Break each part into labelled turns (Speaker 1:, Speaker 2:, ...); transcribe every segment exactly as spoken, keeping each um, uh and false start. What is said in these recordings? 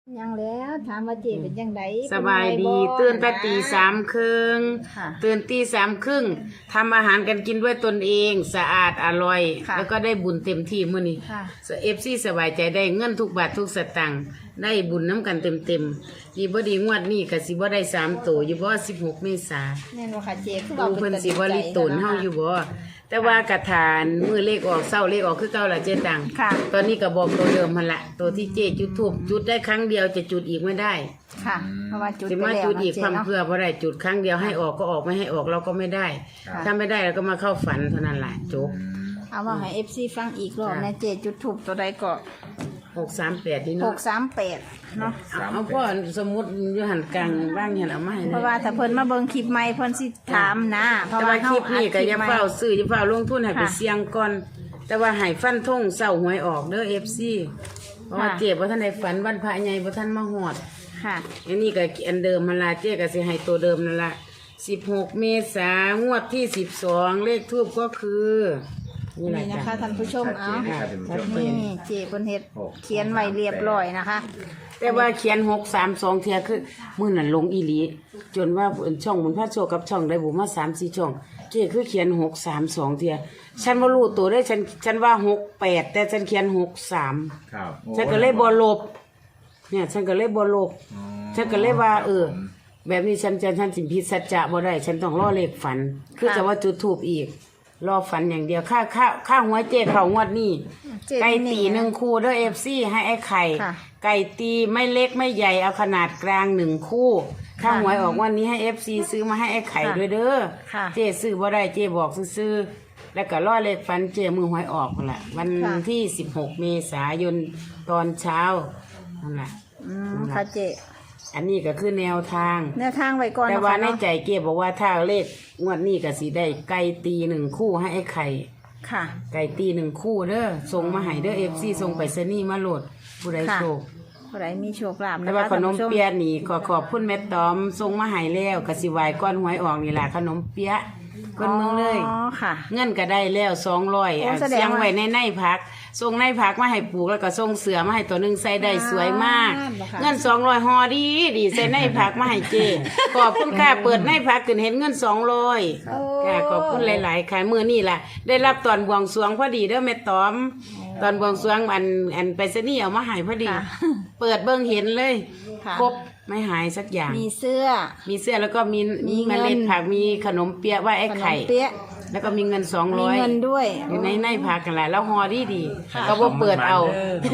Speaker 1: ยังแล้วถามว่าเจเป็นยังไง
Speaker 2: สบายดีตื่นแต่ตีสามครึ่งตื่นตีสามครึ่งทำอาหารกันกินด้วยตนเองสะอาดอร่อยแล้วก็ได้บุญเต็มที่มื้อนี้เอฟซีสบายใจได้เงินทุกบาททุกสตางค์ได้บุญน้ำกันเต็มเต็มดีบ่ดีงวดนี้ก็สิบ่ได้สามตัวอยู่บ่สิบหกเมษา
Speaker 1: แน่นว่าค่ะเจคือ
Speaker 2: ดูเพิ่นสิบ่ลิตนเฮาอยู่บ่แต่ว่ากระถานมือเลขออกเศร้าเลขออกคือเก่าล่ะเจ๊ตังตอนนี้ก็บอกตัวเดิมหั่นละตัวที่เจ๊จุดทูบจุดได้ครั้งเดียวจะจุดอีกไม่ได้
Speaker 1: ค่ะเพราะว่าจุด
Speaker 2: สิมาจุดอีกความเพื่อบ่ได้จุดครั้งเดียวให้ออกก็ออกไม่ให้ออกเราก็ไม่ได้ถ้าไม่ได้เราก็มาเข้าฝันเท่านั้นแหละจบ
Speaker 1: เอาว่าให้ เอฟ ซี ฟังอีกรอบนะเจจุดทูบตัวใดก็
Speaker 2: หกสามแปดนี่เนาะ
Speaker 1: หกสามแปดเนาะ
Speaker 2: เอาพ่อสมมุติอยู่หันกลางบ้างเห็นเอามาให้
Speaker 1: เพราะว่าถ้าเพิ่นมาเบิ่งคลิปใหม่เพิ่นสิถามนะเพราะ
Speaker 2: ว่าคลิปนี้ก็อย่าเฝ้าซื้ออย่าเฝ้าลงทุนให้ไปเสี่ยงก่อนแต่ว่าให้ฟันธงเศร้าหวยออกเด้อ เอฟ ซี เพราะว่าเจ็บบ่ทันได้ฝันวันพระใหญ่บ่ทันมาฮอด
Speaker 1: ค่ะ
Speaker 2: อันนี้ก็อันเดิมมันล่ะเจ๊ก็สิให้ตัวเดิมนั่นล่ะสิบหกเมษายนงวดที่สิบสองเลขทูปก็คือ
Speaker 1: นี่นะคะท่านผู้ชมเอานี่เจเพิ่นเฮ็ดเขียนไว้เรียบร้อยนะคะ
Speaker 2: แต่ว่าเขียนหกสามสองเทียคือมื้อนั้นลงอีหลีจนว่าช่องบุญพระโชคกับช่องได้บุมาสามสี่ช่องเจ๊คือเขียนหกสามสองเทียฉันบ่รู้ตัวได้ฉันฉันว่าหกแปดแต่ฉันเขียนหกสามครับฉันก็เลยบ่ลบเนี่ยฉันก็เลยบ่ลบฉันก็เลยว่าเออแบบนี้ฉันจะฉันสิผิดสัจจะบ่ได้ฉันต้องรอเลขฝันคือจะว่าจุดธูปอีกรอฝันอย่างเดียวค่าค่าค่าหัวเจ๊เขางวดนี้ไก่ตีหนึ่งคู่ด้วยเอฟซีให้ไอ้ไข่ไก่ตีไม่เล็กไม่ใหญ่เอาขนาดกลางหนึ่งคู่ค่าหวยออกวันนี้ให้เอฟซีซื้อมาให้ไอ้ไข่ด้วยเด้อเจ๊ซื้อบ่ได้เจ๊บอกซื้อแล้วก็รอเลขฝันเจ๊มือหวยออกนั่นแหละวันที่สิบหกเมษายนตอนเช้านั่นแหละ
Speaker 1: ค่ะเจ๊
Speaker 2: อันนี้ก็คือแนวทาง
Speaker 1: แนวทางไว้ก่อน
Speaker 2: แต่ว่าในใจเก็บบอกว่าถ้าเลขงวดนี้ก็สิได้ไก่ตีหนึ่งคู่ให้ไอ้ไข่
Speaker 1: ค่ะ
Speaker 2: ไก่ตีหนึ่งคู่เด้อส่งมาให้เด้อเอฟซีส่งไปเซนี่มาโหลดผู้ใดโชค
Speaker 1: ผู้ใดมีโชคลาภ
Speaker 2: แต่ว่าขนมเปี๊ยะนี่ขอขอบคุณแม่ตอมส่งมาให้แล้วกสิวายก้อนหวยออกนี่แหละขนมเปี๊ยะคนเมืองเลย
Speaker 1: อ๋อค่ะ
Speaker 2: เงินก็ได้แล้วสองร้อยเสียงไว้ในในพักส่งในพักมาให้ปลูกแล้วก็ส่งเสือมาให้ตัวหนึ่งใส่ได้สวยมากเงินสองร้อยฮอดีดีใส่ในพักมาให้เจขอบคุณค่ะเปิดในพักขึ้นเห็นเงินสองร้อยค่ะขอบคุณหลายๆค่ะมือนี่แหละได้รับตอนบวงสรวงพอดีเด้อแม่ตอมตอนบวงสรวงอันอันไปซะนี่เอามาให้พอดีเปิดเบิ่งเห็นเลยครบไม่หายสักอย่าง
Speaker 1: มีเสื้อ
Speaker 2: มีเสื้อแล้วก็มีมีเมล็ดผักมีขนมเปี๊ยะว่าไอ้ไข่แล้วก็มีเงินสองร้อย
Speaker 1: มีเงินด้วย
Speaker 2: อยู่ในในผักกันแหละแล้วห่อดีดีก็บ่เปิดเอา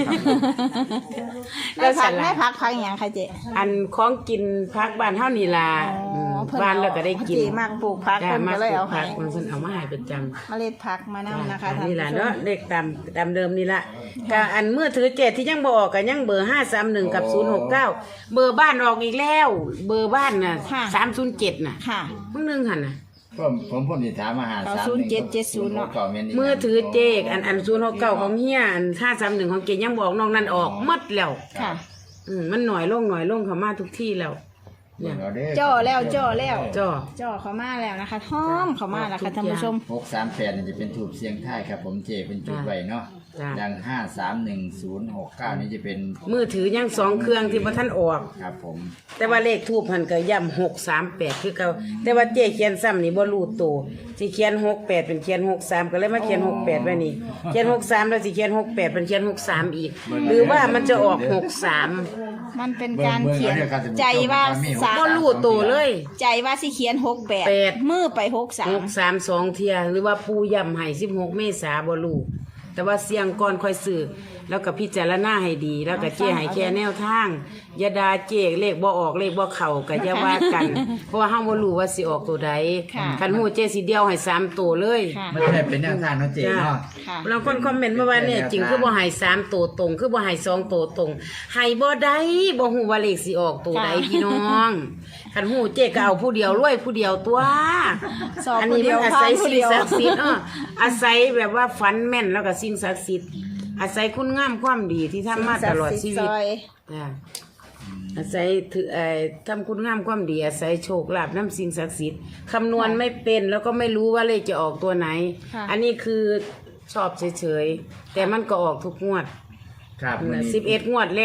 Speaker 1: แล้วผักแม่ผักผักอย่างค่ะเจ๊
Speaker 2: อันของกินผักบ้านเฮานี่ล่ะบ้านแล้วก็ได้กิน
Speaker 1: เจ๊มากปลูกผักเพิ่นก็เลยเอาให้
Speaker 2: เพิ่นเอามาให้ประจำ
Speaker 1: เมล็ดผักมานำนะคะท่าน
Speaker 2: นี่ล่ะเนาะเลขตามตามเดิมนี่ล่ะก็อันเมื่อถือเจ็ดที่ยังบ่ออกก็ยังเบอร์ห้าสามหนึ่งกับศูนย์หกเก้าเบอร์บ้านออกอีกแล้วเบอร์บ้านน่ะสามศูนย์เจ็ดน่ะ
Speaker 1: ค่ะ
Speaker 2: มึงนึงหั่นน่ะ
Speaker 3: ผมผมผมสิถามอาหารสามศูนย์เจ็ดเจ็ดศูนย์เนาะ
Speaker 2: มือถือเจกอันอันศูนย์หกเก้าของเฮียอันห้าสามหนึ่งของเกยังบอกน้องนั่นออกหมดแล้ว
Speaker 1: ค่ะ
Speaker 2: อืมมันหน่อยลงหน่อยลงเขามาทุกที่แล้ว
Speaker 1: เนี่ยจ่อแล้วจ่อแล้ว
Speaker 2: จ่อ
Speaker 1: จ่อเขามาแล้วนะคะหอมเขามาแล้วค่ะท่านผู้ชม
Speaker 3: หกสามแปดนี่จะเป็นถูกเสียงท้ายครับผมเจเป็นจุดไว้เนาะดังห้าสามหนึ่งศูนย์หกเก้านี่จะเป็น
Speaker 2: มือถือยังสองเครื่องที่พระท่านออก
Speaker 3: ครับผม
Speaker 2: แต่ว่าเลขทูบหันก็ย่ำหกสามแปดคือเขาแต่ว่าเจเขียนซ้ำนี่บ่รู้ตัวสิเขียนหกแปดเป็นเขียนหกสามก็เลยมาเขียนหกแปดไว้นี่เขียนหกสามแล้วสิเขียนหกแปดเป็นเขียนหกสามอีกหรือว่ามันจะออกหกสาม
Speaker 1: มันเป็นการเขียนใจว่า
Speaker 2: สามก็รู้ตัวเลย
Speaker 1: ใจว่าสิเขียนหกแปดมือไปหกสาม
Speaker 2: หกสามสองเทียหรือว่าปูย่ำให้สิบหกเมษาบ่รู้แต่ว่าเสียงก่อนค่อยซื้อแล้วก็พิจารณาให้ดีแล้วก็เจ๊ให้แค่แนวทางอย่าด่าเจ๊เลขบ่ออกเลขบ่เข้าก็อย่าว่ากันเพราะว่าเฮาบ่รู้ว่าสิออกตัวใดคันฮู้เจ๊สิเดียวให้สามตัวเลย
Speaker 3: มันได้เป็นแนวทางเนาะเจ๊เนาะ
Speaker 2: บางคนคอมเมนต์มาว่าเนี่ยจริงคือบ่ให้สามตัวตรงคือบ่ให้สองตัวตรงให้บ่ได้บ่ฮู้ว่าเลขสิออกตัวใดพี่น้องคันฮู้เจ๊ก็เอาผู้เดียวรวยผู้เดียวตัวอันนี้มันอาศัยสิ่งศักดิ์สิทธิ์เอออาศัยแบบว่าฝันแม่นแล้วก็สิ่งศักดิ์สิทธิ์อาศัยคุณงามความดีที่ทำมาตลอดชีวิตอาศัยถือเอ่อทำคุณงามความดีอาศัยโชคลาภน้ำสิ่งศักดิ์สิทธิ์คำนวณไม่เป็นแล้วก็ไม่รู้ว่าเลขจะออกตัวไหนอันนี้คือชอบเฉยๆแต่มันก็ออกทุกงวดสิบเอ็ดงวดแล้ว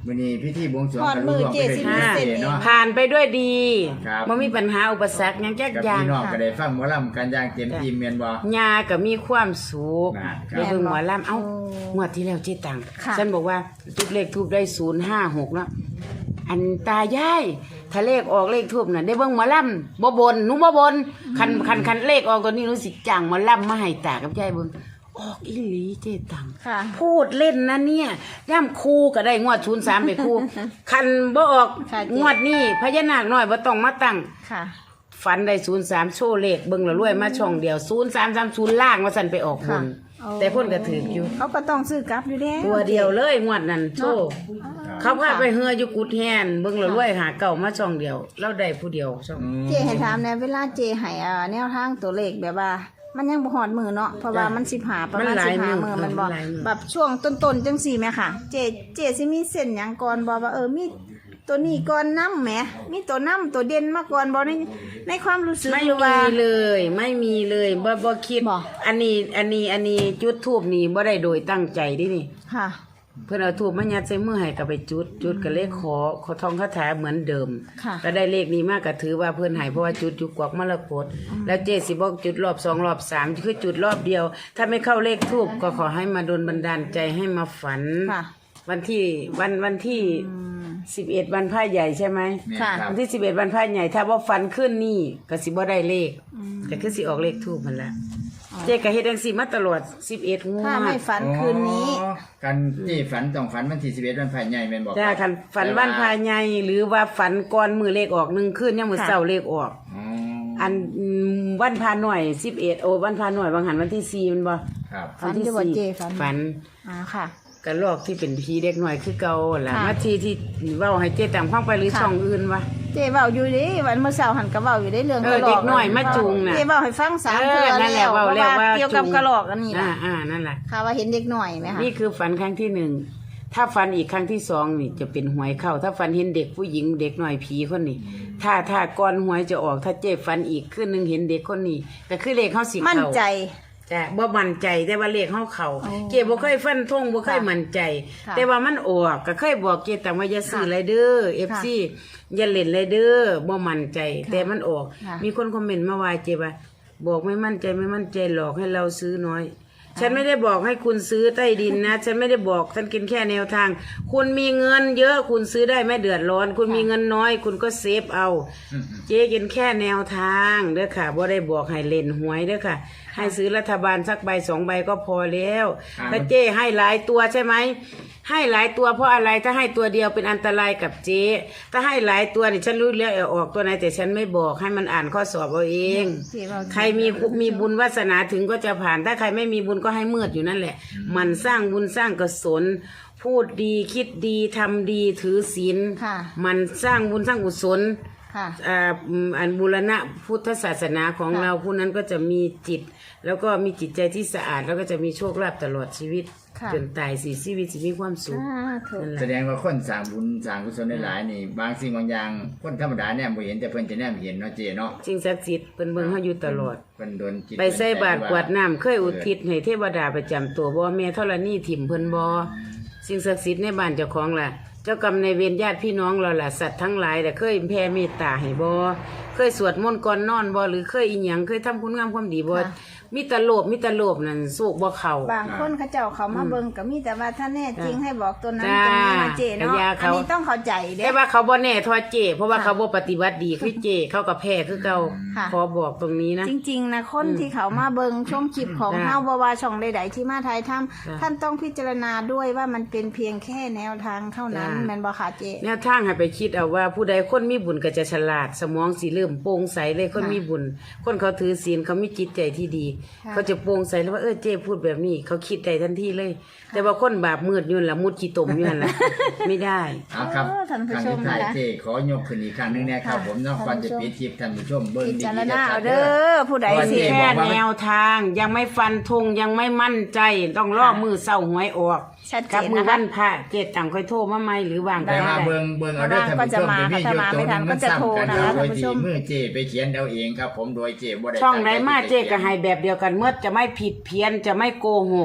Speaker 3: วันนี้พิธีบวงสรวง
Speaker 1: ทอดมือเจสิมีเส้นเอง
Speaker 3: เนาะ
Speaker 2: ผ่านไปด้วยดี
Speaker 3: ครับ
Speaker 2: บ่มีปัญหาอุปสรรคหยังจัก
Speaker 3: กับ
Speaker 2: อย่าง
Speaker 3: พี่น้องก็ได้ฟังหมอลำกันอย่างเต็มที่เมียนบ่
Speaker 2: ยาก็มีความสุข
Speaker 3: ครับ
Speaker 2: ได้เบิ่งหมอลำเอ้า
Speaker 1: โอ้
Speaker 2: งวดที่แล้วเจ๊ตัง
Speaker 1: ค่ะ
Speaker 2: ฉันบอกว่าจุดเลขทูบได้ศูนย์ห้าหกแล้วอันตายายถ้าเลขออกเลขทูบน่ะได้เบิ่งหมอลำบ่บนหนูบ่บนคันคันคันเลขออกตัวนี้หนูสิจ้างหมอลำมาให้ตากับยายเบิ่งออกอีหลีเจ๊ตัง
Speaker 1: ค่ะ
Speaker 2: พูดเล่นนะเนี่ยย่ำครูก็ได้งวดศูนย์สามไปครู คันบ่ออก
Speaker 1: ค่ะเจ๊
Speaker 2: งวดนี้พญานาคน้อยบ่ต้องมาตั้ง
Speaker 1: ค่ะ
Speaker 2: ฝันได้ศูนย์สามโชว์เลขเบิ่งและรวยมาช่องเดียวศูนย์สามสามศูนย์ล่างว่าสันไปออกบน
Speaker 1: ค่ะโอ้
Speaker 2: แต่พ่นก็ถืออยู่
Speaker 1: เขาก็ต้องซื้อกลับอยู่แล้ว
Speaker 2: ตัวเดียวเลยงวดนั้นโชว์เขาพาไปเฮืออยู่กุดแฮนเบิ่งและรวยหาเก่ามาช่องเดียวเราได้ผู้เดียวช่อง
Speaker 1: เจให้ถามแหน่เวลาเจให้อ่าแนวทางตัวเลขแบบว่า มันยังบ่ฮอดมือเนาะเพราะว่ามันสิบหาประมาณสิบห้ามือมันบ่แบบช่วงต้นๆจังซี่แม่ค่ะ เจเจสิมีเส้นหยังก่อนบ่ว่าเออมีตัวนี้ก่อนนำแหมมีตัวนํตัวเด่นมาก่อนบ่ในในความรู้สึก
Speaker 2: ไม่
Speaker 1: หรือว่า
Speaker 2: มีเลย ไม่มีเลยบ่บ่คิด
Speaker 1: บ่
Speaker 2: อันนี้อันนี้อันนี้จุดทูบนี่บ่ได้โดยตั้งใจเดินี่
Speaker 1: ค่ะ
Speaker 2: เพื่อนเอาทูบมายัดใส่มือให้ก็ไปจุด จุดก็เลขขอขอทองคาถาเหมือนเดิม
Speaker 1: ค่ะ
Speaker 2: ก็ได้เลขนี้มากก็ถือว่าเพื่อนใหายเพราะว่าจุดอยู่กวักมรกตแล้วเจสิบอกจุดรอบสองรอบสามคือจุดรอบเดียว ถ้าไม่เข้าเลขทูบก็ขอให้มาโดนบันดาลใจให้มาฝัน
Speaker 1: ค่ะ
Speaker 2: วันที่วันวันที่สิบเอ็ดวันพระใหญ่ใช่ไหม
Speaker 3: แม่น
Speaker 1: ค่ะ
Speaker 3: ครับ
Speaker 2: วันที่สิบเอ็ดวันพระใหญ่ถ้าว่าฝันขึ้นนี่ก็สิบ่ได้เลขแต่คือสิออกเลขทูบมันละเจ๊ก็เฮ็ดจังซี่มาตลอดสิบเอ็ดงว
Speaker 1: ถ้าไม่
Speaker 2: ด
Speaker 1: ฝันคืนนี้
Speaker 3: อ๋อกันที่ฝันต้องฝันวันที่สิบเอ็ดวันพายใหญ่แม่นบอก
Speaker 2: จ้าคันฝันวันพายใหญ่หรือว่าฝันก่อนมือเลขออกหนึ่งคืนยังมือ
Speaker 1: ค่ะ
Speaker 2: เสาเลขออก
Speaker 3: อ๋อ
Speaker 2: อันอืมวันพาหน่อยสิบเอ็ดโอ้วันพาหน่อยบางหันวันที่สี่มันบ่
Speaker 3: ครับ
Speaker 1: ฝันอยู่บ่เจ๊ฝัน
Speaker 2: ฝัน
Speaker 1: อ่าค่ะ
Speaker 2: กระลอกที่เป็นพีเด็กหน่อยคือเก่าล่ะ
Speaker 1: ค่ะ
Speaker 2: มาทีที่เว้าให้เจ๊ต่างฟังไปหรือ
Speaker 1: ค่ะ
Speaker 2: ช่องอื่นวะ
Speaker 1: เจ๊เว้าอยู่เดิวันเมื่อเช้าหันก็เว้าอยู่ได้เรื่อง
Speaker 2: เออก
Speaker 1: ระรอก
Speaker 2: เด็กน้อยมาจูงน่ะ
Speaker 1: เจ๊เว้าให้ฟังสาม
Speaker 2: เอ
Speaker 1: เทื่
Speaker 2: อ
Speaker 1: อ
Speaker 2: นั่นแหละ
Speaker 1: แล้ว
Speaker 2: เว้า
Speaker 1: เพราะ
Speaker 2: แล้ว
Speaker 1: ว่า
Speaker 2: ว่า
Speaker 1: เกี่ยวกับ
Speaker 2: จูง
Speaker 1: กระรอกอันนี้
Speaker 2: อ่า
Speaker 1: ล่ะ
Speaker 2: อ่านั่นแหละ
Speaker 1: ค่ะว่าเห็นเด็กน้อยไหมคะ
Speaker 2: นี่คือฝันครั้งที่หนึ่งถ้าฝันอีกครั้งที่สองนี่จะเป็นหวยเข้า ถ้าฝันเห็นเด็กผู้หญิงเด็กหน่อยผีคนนี้ ถ้าถ้าก่อนหวยจะออกถ้าเจ๊ฝันอีกคืนหนึงเห็นเด็กคนนี้ก็คือเลขเข้าสิ
Speaker 1: มั่น
Speaker 2: เข้า
Speaker 1: ใจ
Speaker 2: จ้ะบ่มั่นใจแต่ว่าเลขเฮาเข้า
Speaker 1: อ๋อ
Speaker 2: เก็บ่เคยฟันธงบ่เคย
Speaker 1: ค่ะ
Speaker 2: มั่นใจ
Speaker 1: ค่ะ
Speaker 2: แต่ว่ามันออกก็เคยบอกเกแต่ว่าอย่าซื้อ
Speaker 1: ค่ะ
Speaker 2: ไรเด้อ เอฟ ซี อย่าเล่นไรเด้อบ่มั่นใจ แต่มันออก
Speaker 1: ค่ะ
Speaker 2: มีคนคอมเมนต์มาว่าเจ็บว่าบอกไม่มั่นใจไม่มั่นใจหลอกให้เราซื้อน้อย ฉันไม่ได้บอกให้คุณซื้อใต้ดินนะ ฉันไม่ได้บอกฉันกินแค่แนวทาง คุณมีเงินเยอะคุณซื้อได้ไม่เดือดร้อน คุณมีเงินน้อย คุณก็เซฟเอา เจ๊กินแค่แนวทางเด้อค่ะบ่ได้บอกให้เล่นหวยเด้อค่ะ ให้ซื้อรัฐบาลสักใบสองใบก็พอแล้ว
Speaker 3: ครับ
Speaker 2: ถ้าเจ๊ให้หลายตัวใช่ไหมให้หลายตัวเพราะอะไรถ้าให้ตัวเดียวเป็นอันตรายกับเจ๊ถ้าให้หลายตัวนี่ฉันรู้แล้วเอาออกตัวไหนแต่ฉันไม่บอกให้มันอ่านข้อสอบเอาเอง
Speaker 1: เจ๊เว้า
Speaker 2: ใครมีมีบุญวาสนาถึงก็จะผ่าน ถ้าใครไม่มีบุญก็ให้มืดอยู่นั่นแหละ มันสร้างบุญสร้างกุศลพูดดีคิดดีทำดีถือศีล
Speaker 1: ค่ะ
Speaker 2: มันสร้างบุญสร้างกุศล
Speaker 1: ค่ะ
Speaker 2: อ่าอืมอันบูรณะพุทธศาสนาของ
Speaker 1: ค่ะ
Speaker 2: เราผู้นั้นก็จะมีจิต แล้วก็มีจิตใจที่สะอาด แล้วก็จะมีโชคลาภตลอดชีวิต
Speaker 1: ค่ะ
Speaker 2: จนตายสิชีวิตสิมีความสุข
Speaker 1: อ่าถูก
Speaker 2: นั่นแห
Speaker 3: แส
Speaker 2: ละ
Speaker 3: ดงว่าคนสร้างบุญสร้างกุศลหลายๆนี่ บางสิ่งบางอย่างคนธรรมดาเนี่ยบ่เห็นแต่เพิ่นจะแนมเห็นเนาะเจ๊เนาะ
Speaker 2: สิ่งศักดิ์สิทธิ์เป็นเบิ่งเฮาอยู่ตลอด
Speaker 3: เพิ่นโดนจิต
Speaker 2: ไปใส่บาตรกวาดน้ำเคยอุทิศให้เทวดาประจำตัวบ่แม่ธรณีถิ่มเพิ่นบ่สิ่งศักดิ์สิทธิ์ในบ้านเจ้าของล่ะ เจ้ากรรมในายเวรญาติพี่น้องเราล่ะสัตว์ทั้งหลายแต่เคยแผ่เมตตาให้บ่เคยสวดมนต์ก่อนนอนบ่หรือเคยอีหยังเคยทำคุณงามความดีบ่
Speaker 1: ค่ะ
Speaker 2: มีแตโลภมีแตโลภนั่นสูกบ่เข้า
Speaker 1: บางคนเขาเจ้าเขามาเบิ่งก็มีแต่ว่าถ้าแน่จริงให้บอกตัวนั้น
Speaker 2: จ้า
Speaker 1: ตัวนี้นะเจเนาะ
Speaker 2: กะยา
Speaker 1: อั
Speaker 2: เขา
Speaker 1: นนี้ต้องเข้าใจเด้
Speaker 2: แต่ว่าเขาบ่แน่ทอเจ เพราะว่า
Speaker 1: ค่ะ
Speaker 2: เขาบ่ปฏิบัติดีคือเจ เขาก็แพ้คือเก่า
Speaker 1: ค่ะ
Speaker 2: ขอบอกตรงนี้นะ
Speaker 1: จริงๆนะคนที่เขามาเบิ่งชมคลิปของ
Speaker 2: จ้า
Speaker 1: เฮาบ่ว่าช่องใดๆที่มาถ่ายทำ
Speaker 2: จ้า
Speaker 1: ท่านต้องพิจารณาด้วยว่ามันเป็นเพียงแค่แนวทางเท่านั้น
Speaker 2: จ้า
Speaker 1: แม่นบ่คะเจ
Speaker 2: แนวทางให้ไปคิดเอาว่าผู้ใดคนมีบุญก็จะฉลาด สมองสิเริ่มโปร่งใสเลยคน
Speaker 1: ค่ะ
Speaker 2: มีบุญ คนเขาถือศีลเขามีจิตใจที่ดี
Speaker 1: ค่ะ
Speaker 2: เขาจะโปร่งใสแล้วว่าเออเจ้พูดแบบนี้ เขาคิดได้ทันทีเลย แต่ว่าคนบาปมืดอยุ่นนละมุดขี้ตมอยุ่นนละ ไม่ได้
Speaker 3: เอาครับ
Speaker 1: เออท่านผู้
Speaker 3: ครั้ง
Speaker 1: ชม
Speaker 3: ที่ท้าย
Speaker 1: นะคะ
Speaker 3: เจ๊ขอยกขึ้นอีกครั้งหนึงนะครับ
Speaker 1: ค่ะ
Speaker 3: ผมเนาะก่อนจะ
Speaker 1: ท่านผู้ชม
Speaker 3: ปิดคลิปท่านผู้ชมเบิ่ง
Speaker 1: พิ
Speaker 3: ดี
Speaker 1: จาร
Speaker 3: ๆ
Speaker 1: ณา
Speaker 3: ชั
Speaker 1: เอา
Speaker 3: ดๆ
Speaker 1: เด้อผู้ใด
Speaker 3: ว่า
Speaker 1: สิ
Speaker 3: เจ๊
Speaker 2: แค่แนวทางยังไม่ฟันธงยังไม่มั่นใจ ต้องรอ
Speaker 1: ค่ะ
Speaker 2: มือเศร้าหวยออก
Speaker 1: ชัดเจน
Speaker 2: กับมือ
Speaker 1: นะคะ
Speaker 2: วันพระเจตตังค่อยโทรมาไหมหรือวางก็
Speaker 3: แต่ว่า
Speaker 2: ได้
Speaker 3: เบิ่งเบิ่งเอาเด้อท่านผู้ชม
Speaker 1: ก็จะมา
Speaker 3: เดี๋ยวมีอยู่
Speaker 1: ถ้ามา
Speaker 3: ตัวหนึง
Speaker 1: ไม่ทันก็
Speaker 3: มัน
Speaker 1: จะโทร
Speaker 3: ซ้ำกัน
Speaker 1: นะคะ
Speaker 3: โดย
Speaker 1: ท่านผู้
Speaker 3: ที่
Speaker 1: ชม
Speaker 3: มือเจ๊ไปเขียนเอาเองครับ ผมโดยเจ๊บ่ได้
Speaker 2: ช่องไหน
Speaker 3: ตั้ใจ
Speaker 2: มา
Speaker 3: ที่จะ
Speaker 2: เจ๊ก็
Speaker 3: ขียน
Speaker 2: ให้แบบเดียวกันเมื่อจะไม่ผิดเพี้ยนจะไม่โกหก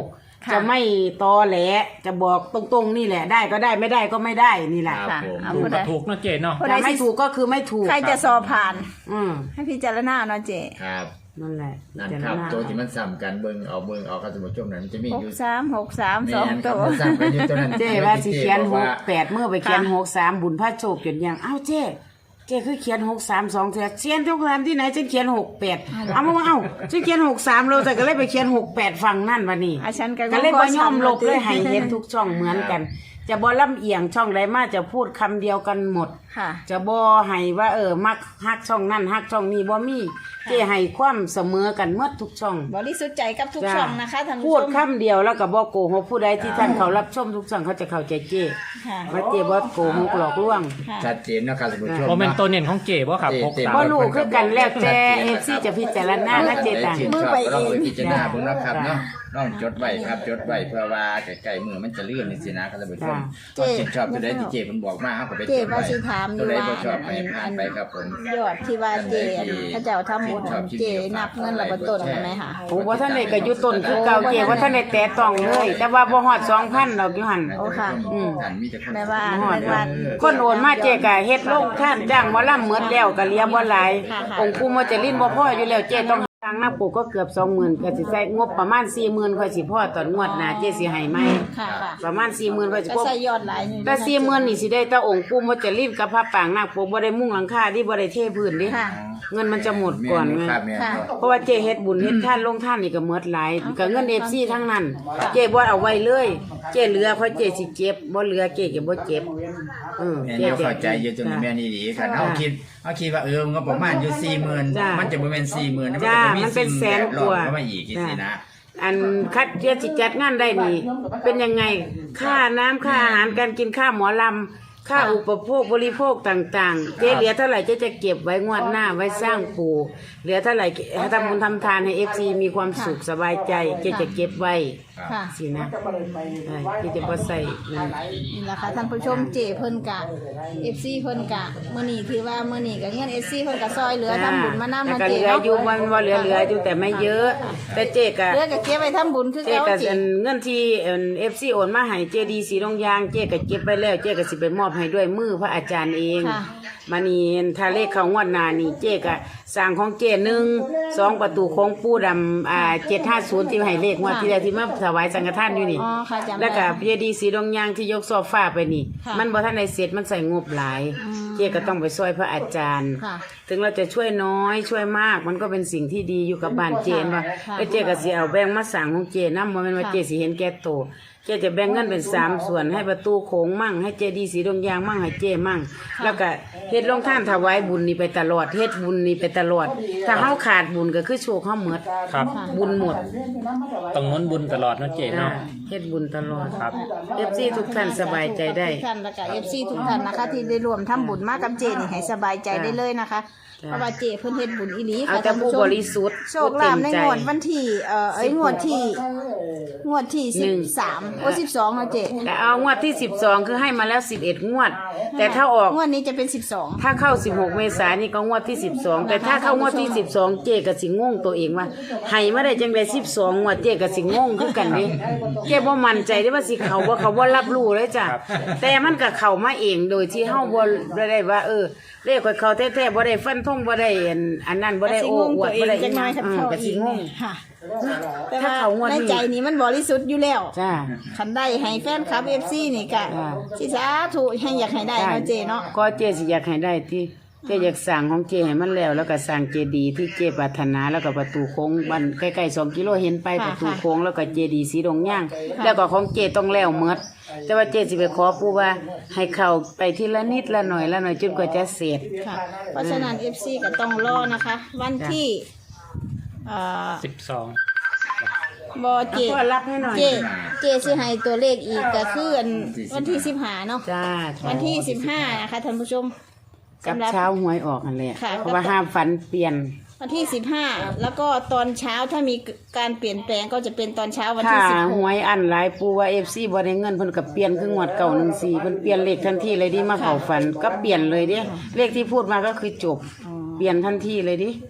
Speaker 1: ค่ะ
Speaker 2: จะไม่ตอแหลจะบอกตรงๆนี่แหละได้ก็ได้ไม่ได้ก็ไม่ได้นี่แหละ
Speaker 3: ครับผม
Speaker 1: เอา
Speaker 4: ถูก
Speaker 1: ผู้ใด
Speaker 4: กับถูกเนาะเจเนาะ
Speaker 1: ผู้ใด
Speaker 2: ถ้าไม่ถูกก็คือไม่ถูก
Speaker 1: ใครจะสอบผ่าน
Speaker 2: อืม
Speaker 1: ให้พิจารณาเนาะเจ
Speaker 3: ครับ
Speaker 2: นั่นแหละ
Speaker 3: นั่น
Speaker 2: พิ
Speaker 3: ค
Speaker 2: จา
Speaker 3: รับ
Speaker 2: ณา
Speaker 3: ตัวที่มันซ้ำกันเบิ่งเอาเบิ่งเอาครับสมมุติช่วงนั้นมันจะมี
Speaker 1: ห
Speaker 3: อก ยู่
Speaker 1: สามหกสาม
Speaker 3: แม่
Speaker 1: สอง
Speaker 3: นค
Speaker 1: ตั
Speaker 3: รับ
Speaker 1: ว
Speaker 3: มันซ้ำกันอยู่ตัวนั้น
Speaker 2: เจ้ว่าสิเขียน
Speaker 3: บอก
Speaker 2: ห
Speaker 3: ว่าก
Speaker 2: แปดเมื่อไปเขียน
Speaker 1: ค่ะ
Speaker 2: หกสามบุญพระโชคจนยังเอ้าเจ้เจ้คือเขียนหกสามสองเถื่อเขียนทุกครั้งที่ไหนฉันเขียนหกแปดเอามาว่าเอ้าฉันเขียนหกสามเราแต่ก็เลยไปเขียนหกแปดฟังนั่นวันนี้
Speaker 1: อาฉันก็
Speaker 2: ก็เลย
Speaker 1: ข
Speaker 2: บ่ยอม
Speaker 1: ช้ำ
Speaker 2: ลบเลย
Speaker 1: ติ
Speaker 2: ให้เห็นทุกช่องเหมือนกัน จะบ่ลำเอียงช่องใดมาจะพูดคำเดียวกันหมด
Speaker 1: ค่ะ
Speaker 2: จะบ่ให้ว่าเออมักฮักช่องนั่นฮักช่องนี้บ่มีเจ้ให้ความเสมอกันหมดทุกช่อง
Speaker 1: บริสุทธิ์ใจกับทุก
Speaker 2: จ้า
Speaker 1: ช่องนะคะท่าน
Speaker 2: พู
Speaker 1: ผู้
Speaker 2: ด
Speaker 1: ชม
Speaker 2: คำเดียวแล้วก็บ่โกหกผู้ใดที่ท่านเขารับชมทุกช่องเขาจะเข้าใจเจ้
Speaker 1: ค่ะ
Speaker 2: ว่าเจ้บ่โกหกหลอกลวง
Speaker 1: ค่ะ
Speaker 3: ชัดเจนเนาะครับสมมุติช่วง
Speaker 4: โมเมน
Speaker 3: เนาะ
Speaker 4: ตัวเน่นของเจบ่ครับ
Speaker 3: เจ
Speaker 4: หก
Speaker 3: เจ
Speaker 4: สาม
Speaker 2: บ่รู้คือกันแล้วแต่ เอฟ ซี จะพิจารณานะเจตัง
Speaker 3: มื
Speaker 1: มื
Speaker 3: อ
Speaker 1: อ
Speaker 3: ไป
Speaker 1: ไป
Speaker 3: เอ
Speaker 1: เอง ง
Speaker 3: พิจารณาเบิ่งเนาะครับ
Speaker 2: จ้า
Speaker 3: เนาะน้องจดไว้ครับจดไว้เพื่อว่าใกล้ๆมือมันจะเลื่อนนี่สินะครับท่านผู้ชม
Speaker 1: จ้า
Speaker 3: ก็ชื่นชอบตัวใดที่เจเพิ่นบอกมาเฮาก็ไปจ
Speaker 1: เจ
Speaker 3: ด
Speaker 1: ว่า
Speaker 3: ไว้
Speaker 1: สิถามอ
Speaker 3: ตัว
Speaker 1: ยู่
Speaker 3: ใด
Speaker 1: ว่า
Speaker 3: บ่ชอบให้ผ่านไปครับผม
Speaker 1: ยอดที่ว่าเจพระเจ้าทำบุญเจนับเงินระเบิดต้นกันไหมคะ
Speaker 2: โอ้บ่ท่านได้ก็อยู่ต้นคือเก่าเจว่าท่านได้แตะต้องเลย แต่ว่าบ่ฮอด สองพัน ดอกอยู่หั่น
Speaker 1: โอ้ค่ะ
Speaker 3: อืมท่านมีแต่คน
Speaker 1: แม่ว่า
Speaker 2: บ่ฮอด
Speaker 1: แม่ว่า
Speaker 2: คนโอนมาเจก็เฮ็ดลงท่านจ้างหมอลำหมดแล้วก็เหลียบ่หลาย
Speaker 1: ค่ะค่ะ
Speaker 2: องค์ปู่มจรินบ่พออยู่แล้วเจต้องทางหน้าปู่ก็เกือบ สองหมื่น ก็สิใช้งบประมาณ สี่หมื่น ค่อยสิพอตอนงวดหน้าเจสิให้ใหม่
Speaker 1: ค่ะค่ะ
Speaker 2: ประมาณ สี่หมื่น ค่อยสิ
Speaker 1: ก็
Speaker 2: พอ
Speaker 1: ใส่ยอดหลายอยู่
Speaker 2: แต่สี่หมื่นนี่สิได้แต่องค์ปู่มจรินกับพระปางนาคปกบ่ได้มุ่งหลังคาดิบ่ได้เทพื้นดิ
Speaker 1: ค่ะ
Speaker 2: เงินมันจะหมดก่อนไง
Speaker 3: ครับแม่น
Speaker 1: ค่ะ
Speaker 3: ครับ
Speaker 2: เพราะว่าเจเฮ็ดบุญเฮ็ดท่านลงท่านนี่ก็หมดหลายก็เงิน เอฟ ซี ทั้งนั้น เจบ่เอาไว้เลย เจเหลือเพราะเจสิเจ็บบ่เหลือเจก็บ่เจ็บเออ
Speaker 3: แม่
Speaker 2: เจ
Speaker 3: นเข้าใจอยู่ตรงนี้แม่นี่ดีครับเฮาคิดเฮาคิดว่าเออมันก็ประมาณอยู่ สี่หมื่น
Speaker 2: จ้ะ
Speaker 3: มันจะบ่แม่น สี่หมื่นมันก็
Speaker 2: จ้า
Speaker 3: จะมี
Speaker 2: มันเป็นแสน
Speaker 3: สิ่ง
Speaker 2: กว่า
Speaker 3: แวดล้อมเข้ามาอีกจังซี่นะ
Speaker 2: อันคัดเจสิจัดงานได้นี่ เป็นยังไงค่าน้ำค่าอาหารการกินค่าหมอลำค่าอุปโภคบริโภคต่างๆ เจเหลือเท่าไหร่เจจะเก็บไว้งวดหน้าไว้สร้างปู่เหลือเท่าไหร่ทำบุญทำทานให้ เอฟ ซี มีความสุขสบายใจเจจะเก็บไว้
Speaker 1: ค่ะ
Speaker 2: สินะเออเจจะบ่ใส่นั่น
Speaker 1: นี่แหละค่ะท่านผู้ชมเจเพิ่นกะ เอฟ ซี เพิ่นกะมื้อนี้คือว่ามื้อนี้ก็เงิน เอฟ ซี เพิ่นกะซอยเหลือทำบุญมานำ
Speaker 2: แต่
Speaker 1: เนาะ
Speaker 2: ก็
Speaker 1: เจ
Speaker 2: เหลือ
Speaker 1: เนาะ
Speaker 2: อยู่มันว่าเหลือเหลืออยู่แต่ไม่เยอะ แต่เจก็
Speaker 1: เหลือก็เก็บไว้ทำบุญคือ
Speaker 2: เจ
Speaker 1: เก่า
Speaker 2: ก็
Speaker 1: เจ
Speaker 2: อันเงินที่เอฟซีโอนมาให้เจดีสีดงยางเจก็เก็บไปแล้วเจก็สิไปมอบให้ด้วยมือพระอาจารย์เอง
Speaker 1: ค่ะ
Speaker 2: มานี่ถ้าเลขเขางวดหน้านี่เจก็สร้างของเจหนึ่งสองประตูของปู่ดำอ่าเจ็ดห้าศูนย์ที่ให้เลขงวดที่แล้วที่มาถวายสังฆทานอยู่นี่
Speaker 1: อ๋อค่ะจำได้
Speaker 2: แล้วก็เจดีสีดงยางที่ยกโซฟาไปนี่
Speaker 1: ค่ะ
Speaker 2: มันบ่ทันได้เสร็จมันใส่งบหลาย
Speaker 1: อืม
Speaker 2: เจก็ต้องไปช่วยพระอาจารย์
Speaker 1: ค่ะ
Speaker 2: ถึงเราจะช่วยน้อยช่วยมากมันก็เป็นสิ่งที่ดีอยู่กับบ้านเจนว่า
Speaker 1: ค่ะ
Speaker 2: เอ้ยเจก็สิเอาแบ่งมาสั่งของเจนำบ่แม่นว่า
Speaker 1: ค่ะ
Speaker 2: เจสิเห็นแก่โตวเจจะแบ่งเงินเป็นสามส่วนให้ประตูโขงมั่งให้เจดีสีดงยางมั่งให้เจมั่ง แล้วก็เฮ็ดลงท่านถวายบุญนี่ไปตลอดเฮ็ดบุญนี่ไปตลอด ถ้าเฮาขาดบุญก็คือโชคเฮาหมด
Speaker 4: ครับ
Speaker 2: บุญหมด
Speaker 4: ต้องน้นบุญตลอดเนาะเจ
Speaker 2: จ้า
Speaker 4: เนาะ
Speaker 2: เฮ็ดบุญตลอด
Speaker 4: ครับ
Speaker 2: เอฟซีทุกท่านสบายใจได้
Speaker 1: ทุกท่านแล้วก็ เอฟ ซี ทุกท่านนะคะ ที่ได้รวมทำบุญมากับเจนี่ให้สบายใจได้เลยนะคะ
Speaker 2: จ้ะ
Speaker 1: เพราะว่าเจเพิ่นเฮ็ดบุญอีหลี
Speaker 2: เอา
Speaker 1: ค่ะ
Speaker 2: แต่
Speaker 1: ท่าน
Speaker 2: ผู้
Speaker 1: ผู้ช
Speaker 2: บ
Speaker 1: ม
Speaker 2: ริสุทธิ์
Speaker 1: โชคลาภในงวดวันที่เอ่อเอ้ยงวดที่งวดที่
Speaker 2: หนึ่ง
Speaker 1: สิบสามโอ้สิบสองเนาะเจ
Speaker 2: แต่เอางวดที่สิบสองคือให้มาแล้วสิบเอ็ดงวด แต่ถ้าออก
Speaker 1: งวดนี้จะเป็นสิบสอง
Speaker 2: ถ้าเข้าสิบหกเมษายนนี่ก็งวดที่สิบสองแต่ถ้าเข้างวดที่สิบสองเจก็สิงงตัวเองว่าให้มาได้จังได๋สิบสองงวดเจก็สิงงคือกันเด้เจบ่มั่นใจได้ว่าสิเขาบ่เขาบ่รับรู้เลยจ้ะแต่มันก็เข้ามาเองโดยที่เฮาบ่ได้ว่า เออเลขข่อยเขาแท้ๆบ่ได้ฟันธงบ่ได้อันอันนั้นบ่ได้
Speaker 1: สิ
Speaker 2: โอ้
Speaker 1: งง
Speaker 2: อว
Speaker 1: ตั
Speaker 2: ด
Speaker 1: วเอ
Speaker 2: บ่
Speaker 1: ง
Speaker 2: ได้
Speaker 1: จังน้อยคัน
Speaker 2: อืม
Speaker 1: เข้า
Speaker 2: ก็
Speaker 1: อี
Speaker 2: สิ
Speaker 1: ก
Speaker 2: งง
Speaker 1: ค่ะแต่
Speaker 2: ถ้า
Speaker 1: ว่า
Speaker 2: เขางวด
Speaker 1: ใน
Speaker 2: นี้
Speaker 1: ใจนี้มันบริสุทธิ์อยู่แล้ว
Speaker 2: จ้า
Speaker 1: คันได้ให้แฟนคลับ เอฟ ซี นี่ก็
Speaker 2: จ้ะ
Speaker 1: สิสาธุให้อยากให้ได้เนาะเจเนาะ
Speaker 2: ก็เจสิอยากให้ได้ที่เจอยากสั่งของเจให้มันแล้ว แล้วก็สั่งเจดีย์ที่เจปรารถนาแล้วก็ประตูโค้งบ้านใกล้ๆสองกิโลเห็นไปประตูโค้งแล้วก็เจดีย์สีดงย่างแล้วก็ของเจต้องแล้วหมดแต่ว่าเจสิไปขอปู่ว่าให้เข้าไปทีละนิดละหน่อยละหน่อยจนกว่าจะเสร็จ
Speaker 1: ค่ะ เพราะฉะนั้น เอฟ ซี ก็ต้องรอนะคะ วันที่เอ่อ
Speaker 4: สิบสอง
Speaker 1: บอเจ
Speaker 2: พ่อรับให้หน่อย
Speaker 1: เจเจสิให้ตัวเลขอีกก็คืออันวันที่สิบห้าเนาะ
Speaker 2: จ้า
Speaker 1: วันที่สิบห้านะคะท่านผู้ชม
Speaker 2: กับ
Speaker 1: สำหรับ
Speaker 2: เช้าหวยออกนั่นแหละ
Speaker 1: ค่ะ
Speaker 2: เพราะว่าห้ามฝันเปลี่ยน
Speaker 1: วันที่สิบห้าแล้วก็ตอนเช้าถ้ามีการเปลี่ยนแปลงก็จะเป็นตอนเช้าวัน
Speaker 2: ถ้า
Speaker 1: ที่สิบห
Speaker 2: ห
Speaker 1: ก
Speaker 2: วยอันหลายปูว่า เอฟ ซี บ่ได้เงินเพิ่นก็เปลี่ยนคืองวดเก่าหนึ่งสี่เพิ่นเปลี่ยนเลขทันทีเลยดิมาเข้าฝันก็เปลี่ยนเลยดิเลขที่พูดมาก็คือจบ เปลี่ยนทันทีเลยดิ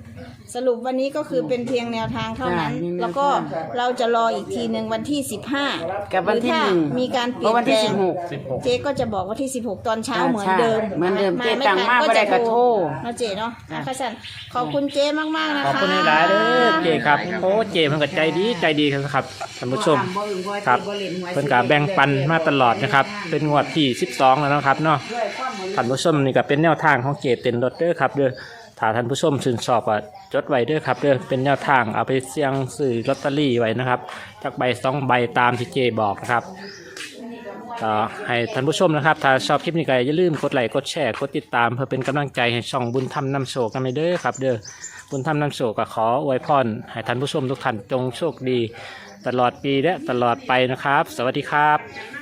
Speaker 1: สรุปวันนี้ก็คือเป็นเพียงแนวทางเท่านั้น
Speaker 2: จ้ะมีแนวทาง
Speaker 1: แล้วก็เราจะรออีกทีหนึ่งวันที่สิบห้า
Speaker 2: กับวันที่
Speaker 1: หรือถ้า
Speaker 2: หนึ่ง
Speaker 1: มีการเป
Speaker 2: เพ
Speaker 1: ลี่ย
Speaker 2: ราะ
Speaker 1: น
Speaker 2: วัน
Speaker 1: แปล
Speaker 2: ที่
Speaker 1: ง
Speaker 2: สิบหก
Speaker 4: สิบหก
Speaker 1: เจ๊ก็จะบอกว่าที่สิบหกตอนเช้า
Speaker 2: ใช่
Speaker 1: เหมือนเดิม
Speaker 2: เหมือนเดิม
Speaker 1: า
Speaker 2: เจ๊ตังมา
Speaker 1: ทัน
Speaker 2: บ่ได้ก็โทร
Speaker 1: เนาะเจ๊เนาะนะคะสันขอบคุณเจ๊มากๆนะคะ
Speaker 4: ขอบคุณหลายๆเด้อเจครับโอ้เจมันก็ใจดีใจดีครับท่านผู้ชมครับเพิ่นก็แบ่งปันมาตลอดนะครับเป็นงวดที่สิบสองแล้วนะครับเนาะท่านผู้ชมนี่ก็เป็นแนวทางของเจเต็นรถเด้อครับเด้อถ้าท่านผู้ชมชื่นชอบก็จดไว้เด้อครับเด้อเป็นแนวทางเอาไปเสี่ยงซื้อลอตเตอรี่ไว้นะครับจากใบสองใบตามที่เจบอกนะครับก็ให้ท่านผู้ชมนะครับถ้าชอบคลิปนี้ก็อย่าลืมกดไลค์กดแชร์กดติดตามเพื่อเป็นกำลังใจให้ช่องบุญธรรมนำโชคกันไปเด้อครับเด้อบุญธรรมนำโชคก็ขออวยพรให้ท่านผู้ชมทุกท่านจงโชคดีตลอดปีและตลอดไปนะครับสวัสดีครับ